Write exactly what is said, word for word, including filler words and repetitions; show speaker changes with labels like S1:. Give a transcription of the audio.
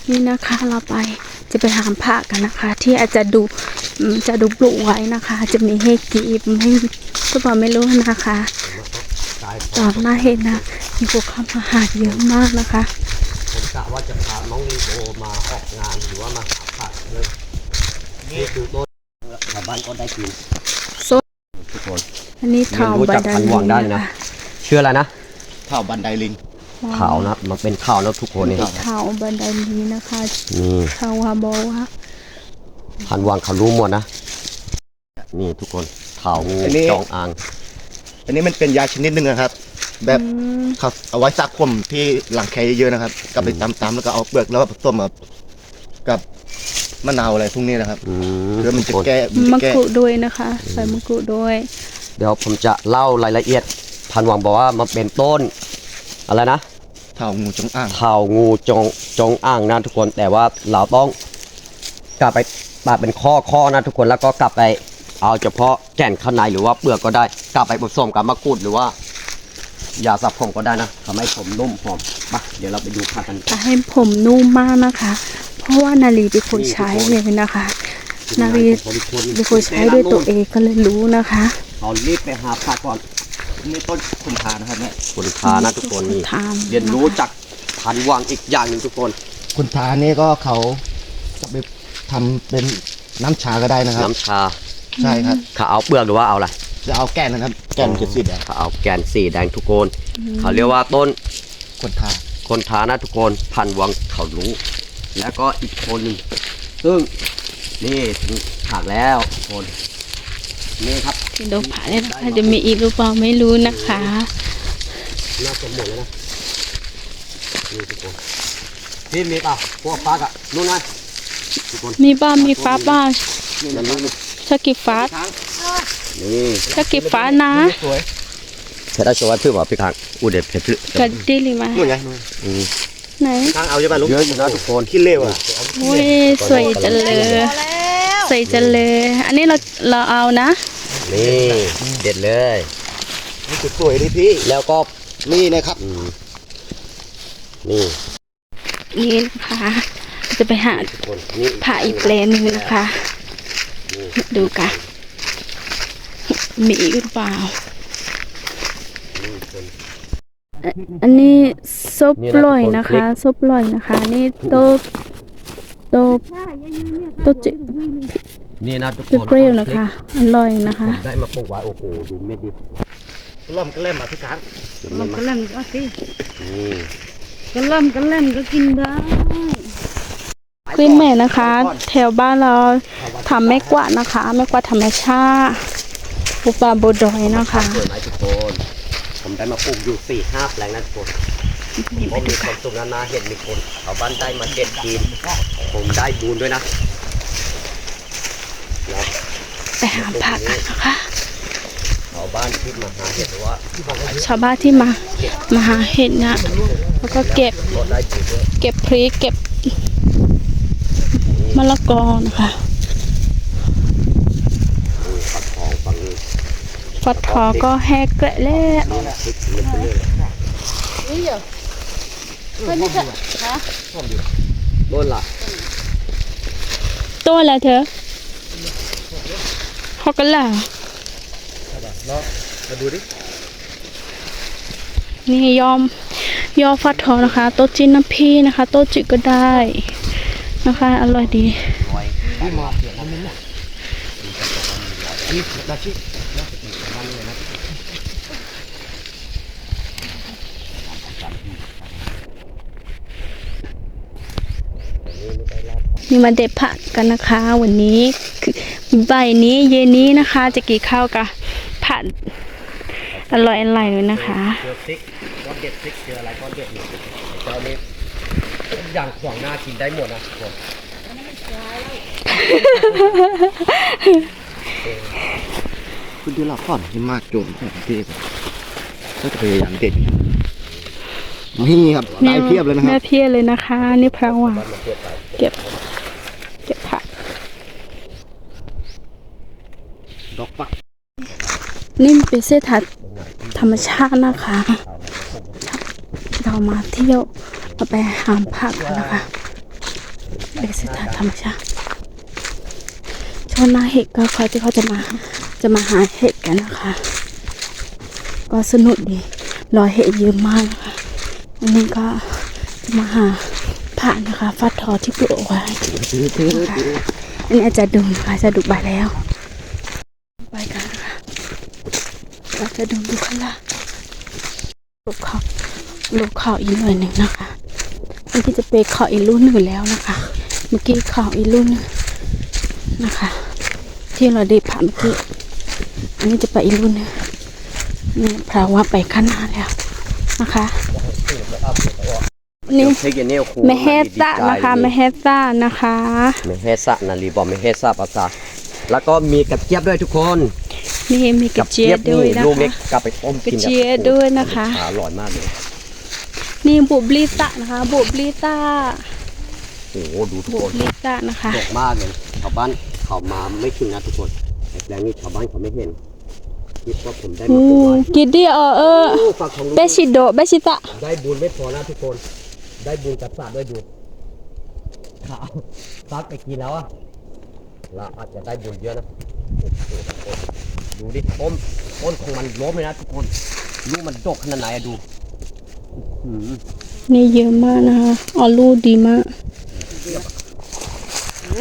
S1: นี่นะคะเราไปจะไปหามผ้ากันนะคะ ที่อาจจะดูจะดูปลูกไว้นะคะ จะมีให้กีบไม่ก็บอกไม่รู้นะคะตอนหน้าเห็นนะมีพวกเข้ามาหาเยอะมากนะคะ
S2: ผมกะว่าจะพาน้องลีโอมาออกงานหรือว่ามาหาผักเลยนี่คือต้นชาวบ้านก็ได้กินทุกคน
S1: อันนี้เถาบันไดลิงนะ
S2: เชื่ออะไรนะ
S3: เถาบันไดลิง
S2: เถานะมันเป็นเถาแล้วทุกคนนี่
S1: เถาบันไดลิงนะคะนี่เถาฮาโบวะ
S2: พันวางเขารู้หมดนะนี่ทุกคนเถางูจองอ่าง
S3: อันนี้มันเป็นยาชนิดหนึ่งนะครับแบบเขาเอาไว้ซักผมที่หลังแคเยอะนะครับกลับไปตำๆแล้วก็เอาเปลือกแล้วผสมกับมะนาวอะไรพวกนี้นะครับเพื่อมันจะแก้
S1: มะกรูดด้วยนะคะใส่มะกรูดด้วย
S2: เดี๋ยวผมจะเล่ารายละเอียดพันวังบอกว่ามันเป็นต้นอะไรนะ
S3: เถางูจงอ่าง
S2: เถางูจงจงอ่างนะทุกคนแต่ว่าเราต้องกลับไปปาดเป็นข้อข้อนะทุกคนแล้วก็กลับไปเอาเฉพาะแก่นข้างในหรือว่าเปลือกก็ได้กลับไปผสมกับมะกรูดหรือว่ายาสระผมก็ได้นะทำให้ผมนุ่มหอมมาเดี๋ยวเราไปดูผักกัน
S1: จะให้ผมนุ่มมากนะคะเพราะว่านาลีเป็นคนใช้เลยนะคะนาลีเป็นคนใช้ด้วยตัวเองก็เลยรู้นะคะ
S2: เอารีบไปหาผักก่อน
S3: นี่ต้นคุณทานะครับเนี่ย
S2: คุณทานะทุกคนนี่เรียนรู้จากพันวังอีกอย่างหนึ่งทุกคน
S3: คุณทานี่ก็เขาจะไปทำเป็นน้ำชาก็ได้นะครับ
S2: น้ำชา
S3: ใช่ครับ
S2: เขาเอาเปลือกหรือว่าเอาอะไร
S3: จะเอาแก่นนะครับแก่นสีแดง
S2: เขาเอาแก่นสีแดงทุกคนเขาเรียกว่าต้น
S3: คนทา
S2: คนทานะทุกคนพันวังเขารู้แล้วก็อีกคนหนึ่งซึ่งนี่ถึงผักแล้วคนนี่ครับ
S1: ดูผักเลยนะคะจะมีอีกหรือเปล่าไม่รู้นะคะ
S2: น่าจะหมดแล้วนะนี่ทุกคนพี่มีเปล่าพวกฟักอ่ะนู่นไง
S1: มีบ้ามีฟ้าบ้าชากิฟ้า
S2: นี่
S1: ชากิฟ้านะ
S2: เพชรได้ชัวร์ถือว่าพี่ค้างอูเด็ดเพชร
S1: กัดดิลิมา
S3: นู่นไง
S1: ไหน
S3: ค้างเอาใช่ไหมลูก
S2: เยอะอยู่นะทุกคน
S3: ขี้เล่อ่ะ
S1: โอ้ยสวยจังเลยสวยจังเลยอันนี้เราเราเอานะ
S2: นี่เด็ดเลย
S3: นี่สวยดิพี่
S2: แล้วก็
S3: นี่นะครับ
S2: นี่
S1: นี่นะคะจะไปหาผ่าอีกแปลนนึงนะคะดูกันมีอีกหรือเปล่าอันนี้ซุปลอยนะคะซุปลอยนะคะนี่โต๊ะโต๊ะโต๊ะจิ
S2: นี่นะทุกคน
S1: เปรี้ยวนะคะอร่อยนะคะ
S2: ได้มาปลูกไว้โอ้โหดูเม็ดดิ
S3: ล่อมก็เล่มอ่ะพี่ค้าง
S1: ล่อมก็เล่มก็สิก็ล่อมก็เล่มก็กินได้กลิ้นแม่นะคะแถวบ้านเราทำแม่กวาดนะคะแม่กวาดธรรมชาติปูปลาโบดอยนะคะ
S2: สวยไหมทุกคนผมได้มาปลูกอยู่สี่ห้าแปลงนะทุกคนผมมีความสุขนะนะเห็นมีคนเอาบ้านได้มาเก็บกินผมได้บุญด้วยนะ
S1: ไปหาผักกันนะคะ
S2: ชาวบ้านที่มาหาเห็ดหรือว่า
S1: ชาวบ้านที่มามาหาเห็ดนะแล้วก็เก็บเก็บพริกเก็บมะละกอนะคะฟักทองก็แห้งเกละแล้วนี่เหรอเพื่อนเถอะนะ
S2: ต้นละ
S1: ต้นอะไรเธอฮอกกันล่ะ
S3: มาดูดิ
S1: นี่ยอมยอฟักทองนะคะโต๊ะจีนน้ำพี่นะคะโต๊ะจิก็ได้นะคะอร่อยดีนี่มาเด็ดผักกันนะคะวันนี้ใบนี้เย็นนี้นะคะจะกี่ข้าวกับผัดอร่อยอร่อยเลยนะคะ
S2: เจอพริกก้อนเด็ดพริกเจออะไรก้อนเด็ดหนึ่งเจ้านี้อย่างขวางหน้ากินได้หมดนะทุกคน
S3: คุณดูหลักก่อนที่มากโจมแบบพี่ก็จะพยายามเด็ดนี่ครับได้เพียบเลยนะครับ
S1: ได้เพียบเลยนะคะนี่พระว่างเก็บเก็บผัก
S2: ดอกปัก
S1: นี่เป็นเส้นทางธรรมชาตินะคะเรามาเที่ยวมาไปหาผักกันนะคะเป็นสถานธรรมชาติชาวนาเห็ดก็เขาที่เขาจะมาจะมาหาเห็ดกันนะคะ ก็สนุกดีรอยเห็ดเยอะมากนะคะอันนี้ก็จะมาหาผ่านนะคะฟัดทอที่ปลูกเอาไว้นะคะอันนี้อาจจะดูนะคะจะดูใบแล้วไปกันนะคะเราจะดูดูข้างล่างลูกเขาลูกเขาอีกหน่อยหนึ่งนะคะอันที่จะเป็นเขาอีกรุ่นหนึ่งแล้วนะคะ เมื่อกี้เขาอีกรุ่นหนึ่งนะคะ ที่เราได้ผ่านเมื่อกี้อันนี้จะไปอีกรุ่นหนึงนี่เพราะว่าไปข้างหน้าแล้วนะคะนี่เมเฮตะนะคะเมเฮตะนะคะ
S2: เมเฮสะนาลีบอกเมเฮสะภาษาแล้วก็มีกระเจี๊ยบด้วยทุกคน
S1: นี่มีกระเจี๊ยบด้วยนะ
S2: ลูกเล็ก
S1: คะ
S2: กลับไปต้ม
S1: กระ
S2: กิน
S1: เจี๊ยบด้วยนะคะ
S2: อร่อยมากเลย
S1: นี่บุบลิตะนะคะบุบลิตะ
S2: โอ้โหดูทุก
S1: บุ
S2: ค
S1: บ
S2: น
S1: ลิตะนะคะ
S2: ดกมากเลยชาวบ้านเขามาไม่ถึงนะทุกคนแต่แปลงนี้ชาวบ้านเขาไม่เห็นคิดว่าผมได้
S1: อื
S2: มาเป็น
S1: ม
S2: ร้อย
S1: กินดีเออเออ
S2: โอ้ฝากของลูก
S1: เบชิโดเบชิตะ
S2: ได้บุญไม่พอนะทุกคน ได้บุญกับสัตว์ด้วยดูขาวซักไปกินแล้วอะเราอาจจะได้บุญเยอะนะโอ้โหทุกคนดูดิต้นต้นของมันล้มเลยนะทุกคนลูกมันดกขนาดไหนอะดูอื้อหือ
S1: นี่เยอะมากนะคะออลูดีมาก
S2: เทียบกับ